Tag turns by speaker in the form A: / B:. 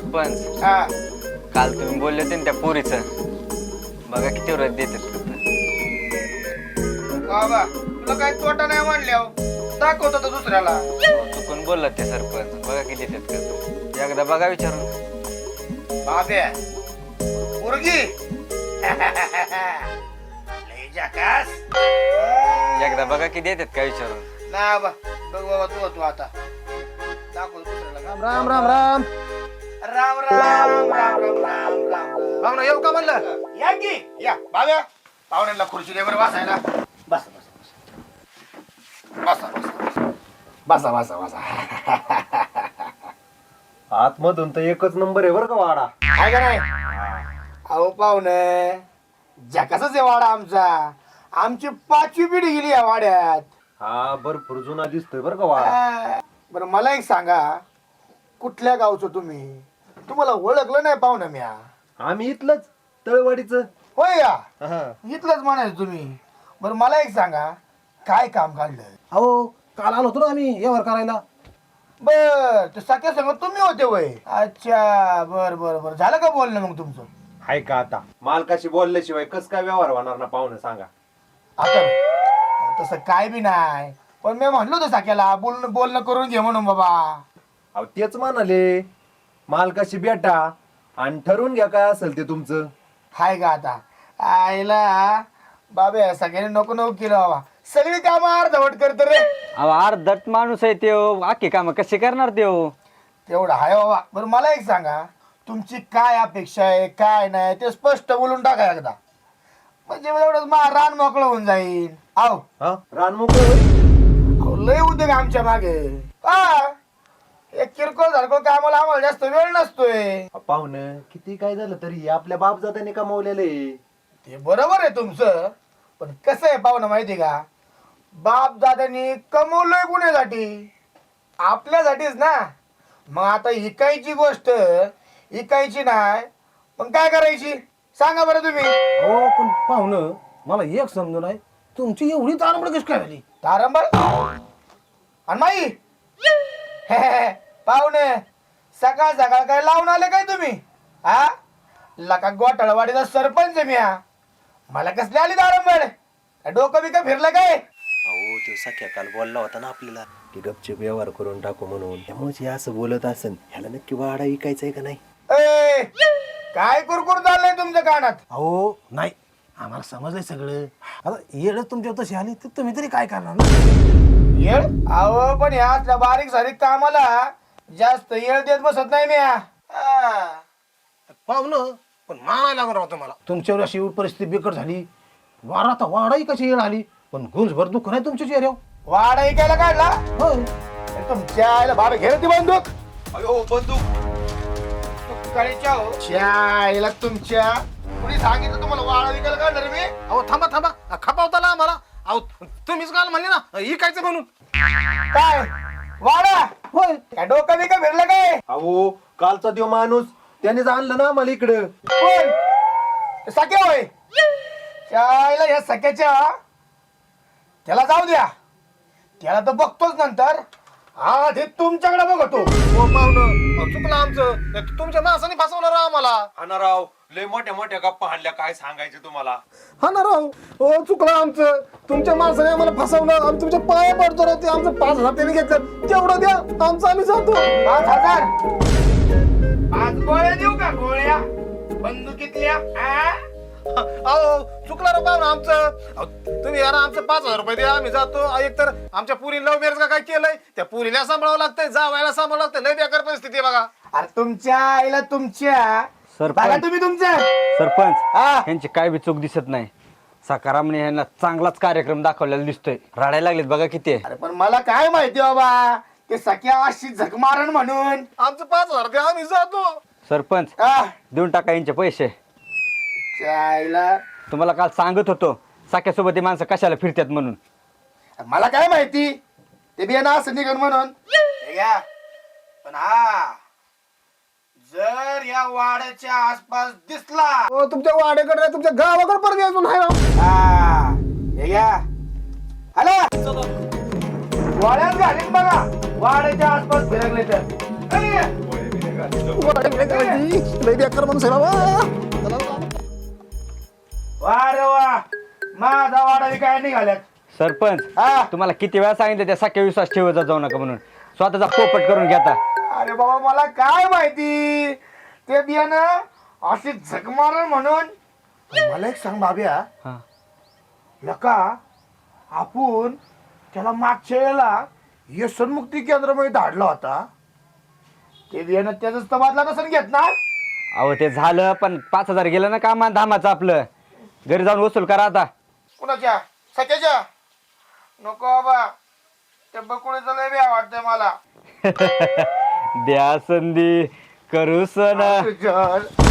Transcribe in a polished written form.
A: सरपंच
B: हा
A: काल तुम्ही बोलले होते ना त्या पोरीचं, बघा किती व्रत देतात तिथं.
B: बाबा तुला काही तोटा नाही म्हणल्यावर दाखवतो तो दुसऱ्याला.
A: चुकून बोलला ते सरपंच, बघा किती देतात करतात. एकदा बघा विचारून.
B: बाब्या पोरगी लय जकास.
A: एकदा बघा किती देतात का विचारून.
B: ना बा बघ बाबा तू आता दाखव दुसऱ्याला.
C: राम राम राम राम
B: राम राम राम राम राम राम.
C: पाहुणा येऊ का म्हणलं?
B: या की या बाब्या पाहुण्यांना खुर्ची दे बरं बसायला. बस बसा बसा बसा बसा.
C: आतमधून तर एकच नंबर आहे बरं का वाडा.
B: काय का नाही अहो पाहुणे जकासच आहे वाडा आमचा. आमची 5वी पिढी गेली या वाड्यात.
C: हा भरपूर जुना दिसतोय बरं का वाडा.
B: बरं मला एक सांगा कुठल्या गावचं तुम्ही? तुम्हाला ओळखलं नाही पाहुणं म्या.
C: आम्ही इथलंच तळवाडीच.
B: होय या इथलंच म्हणायचं तुम्ही. बरं मला एक सांगा काय काम काढलं?
D: अहो काल आलो होतो ना आम्ही व्यवहार करायला.
B: बर ते सख्या संग तुम्ही होते वय. अच्छा बर बर बर झालं का बोलणं मग तुमचं?
C: हाय का आता मालकाशी बोलल्याशिवाय कस काय व्यवहार होणार ना पाहुणे सांगा.
B: आता अहो, तसं काय बी नाही पण मी म्हणलो होतो सख्याला बोलणं करून घे म्हणून बाबा.
C: अहो तेच म्हणाले मालकाशी भेटा आणि ठरवून घ्या काय असेल ते तुमचं.
B: हाय का आता आईला बाबा सगळ्यांनी नको नको केलं बाबा. सगळी कामं अर्धवट करत रे.
A: अहो अर्धट माणूस आहे त्यो, आखी कामं कशी करणार त्यो?
B: तेवढं हाय बाबा. बरं मला एक सांगा तुमची काय अपेक्षा आहे काय नाही ते स्पष्ट बोलून टाका एकदा. म्हणजे एवढंच रान मोकळं होऊन जाईल. आहो
C: हा रान मोकळं होईल.
B: अहो, लय उद्योग आमच्या मागे. हा एक किरकोळ झाडकोळ कामाला आम्हाला जास्त वेळ नसतोय.
C: पाहुणं किती काय झालं तरी आपल्या बापजात्याने कमावलेलं आहे.
B: ते बरोबर आहे तुमचं पण कसं आहे पाहुणं माहिती का बाप दादानी कमवलंय कुणासाठी? आपल्यासाठीच ना. मग आता इकायची गोष्ट इकायची नाही मग काय करायची सांगा बरं तुम्ही.
D: हो पण पाहुणं मला एक समजू नाही तुमची एवढी तारंबळ कशी काय झाली?
B: तारंबळ आणि माई पाहुणे सकाळ सकाळ काय लावून आले काय तुम्ही? हा लका गोटाळवाडीचा सरपंच आहे म्या. मला कसली आली तारंबळ? डोकं बिकं फिरलं काय?
C: अहो तो सख्या काल बोलला होता ना आपल्याला की गपचूप व्यवहार करून टाकू म्हणून. त्यामुळे हे असं बोलत असेल ह्याला नक्की वाडा विकायचा आहे का नाही.
B: ए, काय कुरकुर चाललंय तुमच्या कानात?
D: अहो नाही आम्हाला समजलंय सगळं. आता येडच तुमच्या तशी आली तर तुम्ही तरी काय करणार ना?
B: येळ अहो पण ह्या बारीक सारीक कामाला जास्त येळ देत बसत नाही म्या. हा.
D: पाहुणं पण मानायला लागणार होतं मला. तुमच्यावर अशी परिस्थिती बिकट झाली वारा आता वाडाही कशी येळ आली पण गुंजभर दुःख नाही तुमच्या चेहऱ्यावर.
B: वाडा इकायला काढला
D: होय.
B: तुमच्या आईला बाबा घे ती बंदूक.
C: अयो बंदूक
B: तुमच्या आईला तुमच्या कुणी सांगितलं तुम्हाला वाडा विकायला काढणार मी?
D: अहो थांबा थांबा खपावताला आम्हाला. अहो तुम्हीच काल म्हणले ना इकायचं म्हणून.
B: काय वाडा
D: होय.
B: काय डोकं बिकं फिरलं काय?
C: अहो कालचा देव माणूस त्यानेच आणलं ना आम्हाला इकडं.
B: कोण? सख्या होय. त्या आईला ह्या सख्याच्या त्याला जाऊ द्या. त्याला तर बघतोच नंतर. आधी तुमच्याकडे बघतो.
D: हो पाहुणं चुकलं आमचं. तुमच्या माणसाने फसवलं राव आम्हाला.
C: हा राव लय मोठ्या मोठ्या गप्पा हाणल्या काय सांगायचे तुम्हाला.
D: हा ना राव हो चुकलं आमचं. तुमच्या माणसाने आम्हाला फसवलं. आम्ही तुमच्या पाया पडतो राव. ते आमचं 5,000 त्यांनी घेतलं तेवढं द्या आमचं आम्ही जातो.
B: 5,000 5 गोळ्या देऊ का? गोळ्या बंदुकीतल्या?
D: अहो चुकलं राव पाहुणं आमचं. तुम्ही यार आमचं 5,000 रुपये द्या आम्ही जातो. एक तर आमच्या पुरी लव्ह मॅरेज का काय केलंय त्या पुरीला सांभाळावं लागतंय जावायला सांभाळावं लागतंय. लय बेकार परिस्थिती आहे बघा.
B: अरे तुमच्या आईला तुमच्या
A: सरपंच.
B: बघा तुम्ही तुमचं.
A: सरपंच
B: हा.
A: यांची काय बी चूक दिसत नाही. सकारामने यांना चांगलाच कार्यक्रम दाखवलेला दिसतोय. रडायला लागलेत बघा किती.
B: अरे पण मला काय माहिती बाबा ते सख्या अशी झक मारण म्हणून.
D: आमचं 5,000 द्या आम्ही जातो.
A: सरपंच
B: हा.
A: देऊन टाका यांचे पैसे.
B: त्या आईला
A: तुम्हाला काल सांगत होतो साख्यासोबत ही माणसं कशाला फिरतात म्हणून.
B: मला काय माहिती ते बियाणं असं निघन म्हणून. हे घ्या. पण हा जर या वाड्याच्या आसपास दिसला
D: हो तुमच्या वाड्याकडे नाही, तुमच्या गावाकडे परत यायचं नाही राव.
B: हा हे घ्या. हॅलो वाड्यात घालीन बघा वाड्याच्या आसपास फिरकले तर.
D: लय बेकार माणूस आहे बाबा.
B: वा रे वा, माझा वाडा काय निघाल्यात.
A: सरपंच
B: हा
A: तुम्हाला किती वेळा सांगितलं त्या सख्या विश्वास ठेवत जाऊ नका म्हणून, स्वतःचा पोपट करून घेता.
B: अरे बाबा मला काय माहिती ते बियाणं अशी झक मारल म्हणून. मला एक सांग बाब्या,
A: हा.
B: लका आपण त्याला मागच्या वेळेला व्यसनमुक्ती केंद्रामध्ये धाडला होता, ते बियाणं त्याच तबादला नसून घेत ना.
A: अहो ते झालं, पण 5,000 गेलं ना कामा धामाचं आपलं. घरी जाऊन वसूल करा आता.
B: कुणाच्या सख्याच्या नको बाबा, ते बकुळीचं लय बी वाटतंय मला.
A: द्या संधी करू सण.
B: तुझ्या